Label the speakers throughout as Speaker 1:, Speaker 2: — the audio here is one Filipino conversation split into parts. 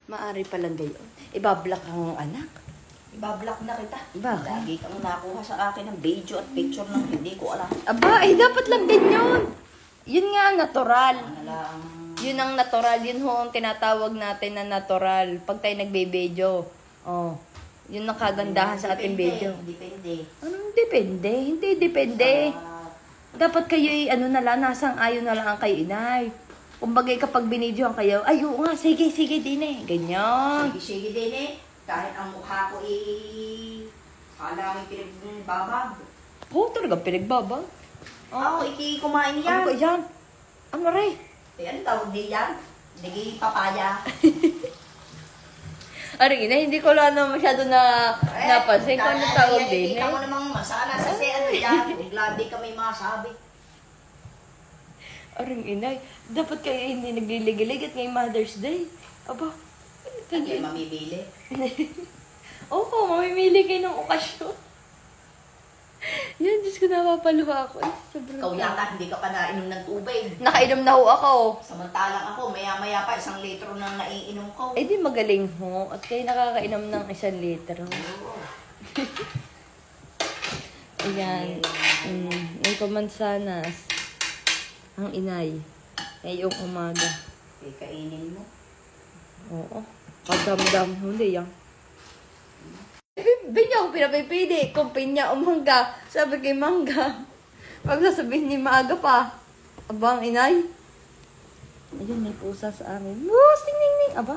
Speaker 1: Maari palang gayon. Ibablock ang anak.
Speaker 2: Ibablock na kita.
Speaker 1: Bakit?
Speaker 2: Lagi kang nakuha sa akin ng video at picture ng hindi ko alam.
Speaker 1: Aba, dapat lang din yun. Yun nga ang natural.
Speaker 2: Ano lang.
Speaker 1: Yun ang natural. Yun ho ang tinatawag natin na natural. Pag tayo nagbe-video. Oh. Yun ang kagandahan sa ating video.
Speaker 2: Depende.
Speaker 1: Anong depende? Hindi depende. Dapat kayo na lang, nasang ayon na lang ang kayo, inay. Kumbaga kapag binidyohan kayo, ay oo nga, sige, din eh. Ganyan.
Speaker 2: Sige din eh. Kahit ang mukha ko kala may pinagbabag.
Speaker 1: Oo, talagang pinagbabag.
Speaker 2: Oo, kumain yan.
Speaker 1: Ano ba yan? Ano rin?
Speaker 2: Ano tawag din yan? Naging papaya.
Speaker 1: Aring ina, hindi ko lang masyado napansin kung ano tawag din eh.
Speaker 2: Kita mo namang masana sa ano yan. Gladi ka may masabi.
Speaker 1: Aring inay, dapat kayo hindi nagliligilig at ngayong Mother's Day. Aba,
Speaker 2: Hindi mamimili.
Speaker 1: Oo, mamimili kayo ng okasyon. Yan, Diyos ko, napapaluha ako. Sobrang
Speaker 2: Ikaw yata, hindi ka pa nainom ng tubig.
Speaker 1: Nakainom na ho ako.
Speaker 2: Samantalang ako, maya-maya pa, 1 litro nang naiinom ko.
Speaker 1: Eh di magaling ho. At kayo nakakainom ng 1 litro. Ayan. May pamansanas. Ang inay. Ngayong umaga.
Speaker 2: Eh, kainin mo.
Speaker 1: Oo. Pagdamdam. Hindi yan. Binya ako pinapipili. Kung pinya o mangga. Sabi kay mangga. Pag sasabihin ni maaga pa. Abang inay. Ayun, may pusa sa amin. Moos, ting. Aba.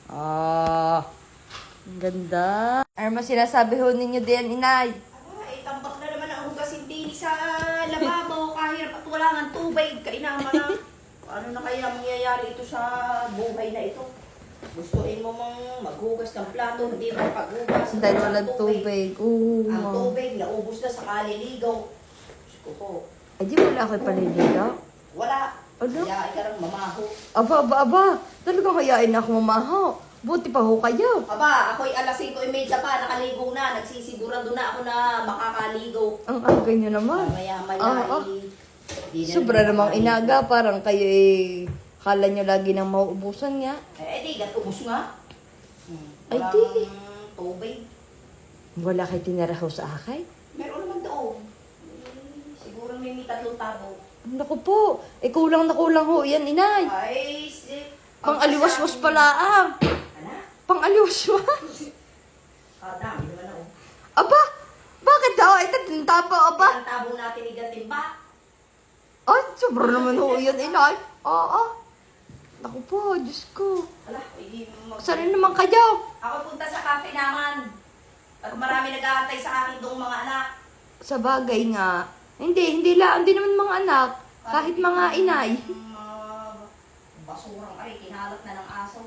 Speaker 1: Ang ganda. Arma, sinasabi ho ninyo din, inay.
Speaker 2: Tambak na naman ang hugasin din sa lababo. Kahirap at wala ng tubig. Kainama na. Ano na kaya mangyayari ito sa buhay na ito? Gustuin mo mang maghugas ng plato, hindi mo paghugas.
Speaker 1: Dahil walang tubig.
Speaker 2: Ang tubig, naubos na sa kaliligaw. Diyos ko po.
Speaker 1: Ay, di wala kayo paliligaw?
Speaker 2: Wala.
Speaker 1: Ano?
Speaker 2: Kaya ikarang mamaho.
Speaker 1: Aba. Talagang hayain na ako mamaho. Buti pa ho kayo.
Speaker 2: Aba, ako'y alas 5:30 pa, nakaligo na. Nagsisigurado na ako na makakaligo.
Speaker 1: Ang aga nyo naman.
Speaker 2: Maya-maya
Speaker 1: Sobra namang inaga. Parang kayo kala nyo lagi nang mauubusan nga.
Speaker 2: di, gatubos nga.
Speaker 1: Ay,
Speaker 2: Walang
Speaker 1: di.
Speaker 2: tubig.
Speaker 1: Wala kayo tinira ho sa akin.
Speaker 2: Meron naman doon. Siguro may 3 tabo.
Speaker 1: Naku po. Kulang na kulang ho. Yan, inay.
Speaker 2: Ay,
Speaker 1: Pang-aliwas-was pala ang.
Speaker 2: Ano?
Speaker 1: Pang-aliwas-was.
Speaker 2: Dami naman ako.
Speaker 1: Aba, bakit daw? Ito, tintapa, aba.
Speaker 2: Ang tabo natin igatimba.
Speaker 1: Ay, sobra naman ho yan, inay. Oo. Naku po, Diyos ko.
Speaker 2: Ala,
Speaker 1: Saan naman kayo?
Speaker 2: Ako punta sa cafe naman. At marami nag-aantay sa akin doong mga anak.
Speaker 1: Sa bagay nga. Hindi naman mga anak. Kahit mga inay.
Speaker 2: Basurang ay, kinalat na ng aso.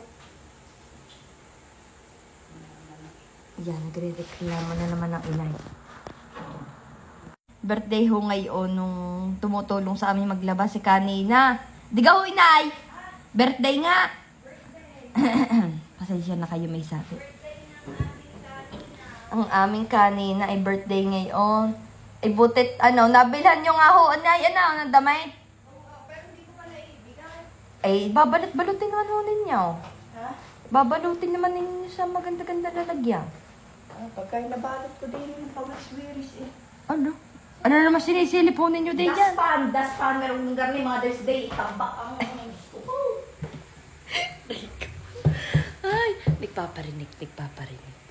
Speaker 1: Yan, nagre-reklamo na naman ng inay. Birthday ho ngayon nung tumutulong sa amin maglaba si kanina. Diga ho, inay! Birthday nga! Pasensya na kayo, may sakit. Ang aming kanina ay birthday ngayon. Ay butit, nabilhan nyo nga ho, anay, ng damit. Ay, babalutin naman ho ninyo.
Speaker 2: Ha?
Speaker 1: Babalutin naman ninyo sa maganda-ganda lalagyan.
Speaker 2: Pagka nabalot ko din yung pag-swiris eh.
Speaker 1: Ano? Ano naman sinisilip ho ninyo din yan?
Speaker 2: Daspan, merong lugar ni Mother's Day, tambak ang gusto ko.
Speaker 1: Ay, nagpaparinig.